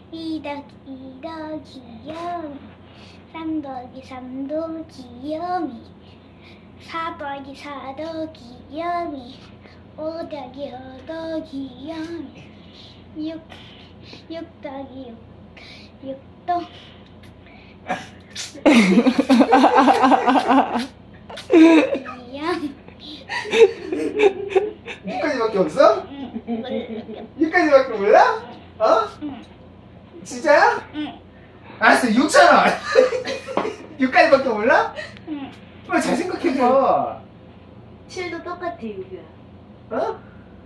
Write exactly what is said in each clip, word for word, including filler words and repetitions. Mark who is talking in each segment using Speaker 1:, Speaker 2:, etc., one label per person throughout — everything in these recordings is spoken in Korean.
Speaker 1: 이 더하기 이 더하기 영이 삼 더하기 삼도 귀요미 사 더하기 사 더하기 영이 오 더하기 오 더하기 영이 육, 육 더하기 육, 육도 영
Speaker 2: 육까지밖에 없어?
Speaker 1: 응, 몰라.
Speaker 2: 육까지밖에 몰라? 어?
Speaker 1: 응,
Speaker 2: 진짜야?
Speaker 1: 응,
Speaker 2: 알았어, 육천 원. 육까지밖에 몰라?
Speaker 1: 응.
Speaker 2: 빨리 잘 생각해봐.
Speaker 3: 칠도 똑같아, 유규야.
Speaker 2: 어?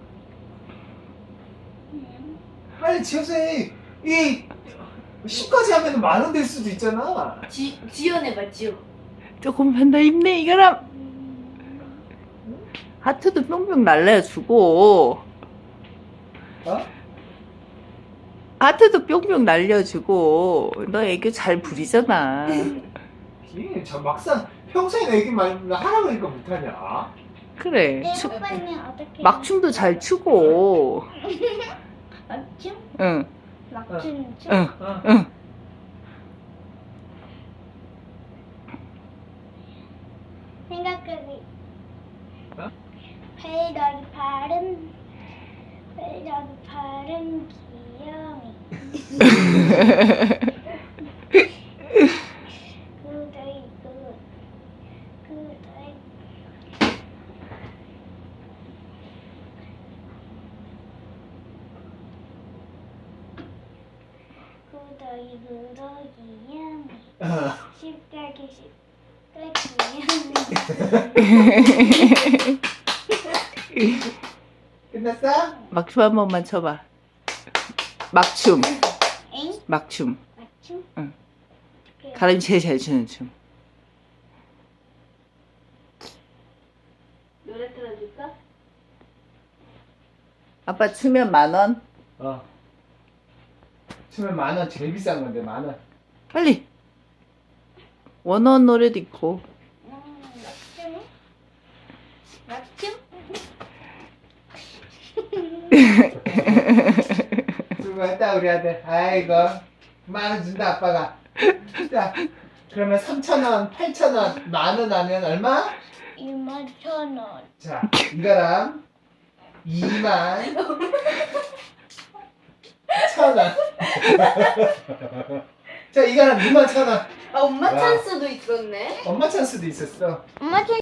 Speaker 1: 응.
Speaker 2: 빨리 지어서 해. 이 십까지 하면 만 원 될 수도 있잖아.
Speaker 3: 지, 지연해봐, 지연.
Speaker 4: 조금만 더 힘내 이거라. 하트도 뿅뿅 날려주고
Speaker 2: 어?
Speaker 4: 하트도 뿅뿅 날려주고 너 애교 잘 부리잖아.
Speaker 2: 이, 저 막상 평소에 얘기 많이 하라 그러니까 못하냐?
Speaker 4: 그래.
Speaker 1: 내
Speaker 4: 추,
Speaker 1: 오빠는 어떻게?
Speaker 4: 막춤도 잘 추고.
Speaker 1: 막춤?
Speaker 4: 응,
Speaker 1: 막춤 춤?
Speaker 4: 응,
Speaker 2: 어.
Speaker 4: 응.
Speaker 1: 생각하기.
Speaker 2: 어?
Speaker 1: 팔 더하기 팔은 팔 더하기 팔은 귀요미. 구 더하기 구, 구 더하기 구 더하기 구 더하기 영이.
Speaker 2: 어.
Speaker 1: 십 더하기 십 더하기 영이.
Speaker 2: 끝났어?
Speaker 4: 막춤 한 번만 쳐봐. 막춤,
Speaker 1: 엥?
Speaker 4: 막춤.
Speaker 1: 맞춤?
Speaker 4: 응.
Speaker 1: 그래.
Speaker 4: 가람이 제일 잘 추는 춤.
Speaker 3: 노래 틀어줄까?
Speaker 4: 아빠 추면 만 원.
Speaker 2: 어. 치면 만 원 제일 비싼 건데 만 원.
Speaker 4: 빨리. 원어원 노래도 있고.
Speaker 1: 음, 맞춤? 맞춤?
Speaker 2: 수고했다 우리 아들. 아이고 만 원 준다 아빠가. 자 그러면 삼천 원, 팔천 원, 만 원 하면 얼마?
Speaker 1: 이만 천 원.
Speaker 2: 자 이거랑 이만 천 원. 자 이거랑 이만 천 원.
Speaker 3: 아, 엄마
Speaker 2: 와.
Speaker 3: 찬스도 있었네.
Speaker 2: 엄마 찬스도 있었어.
Speaker 1: 엄마 천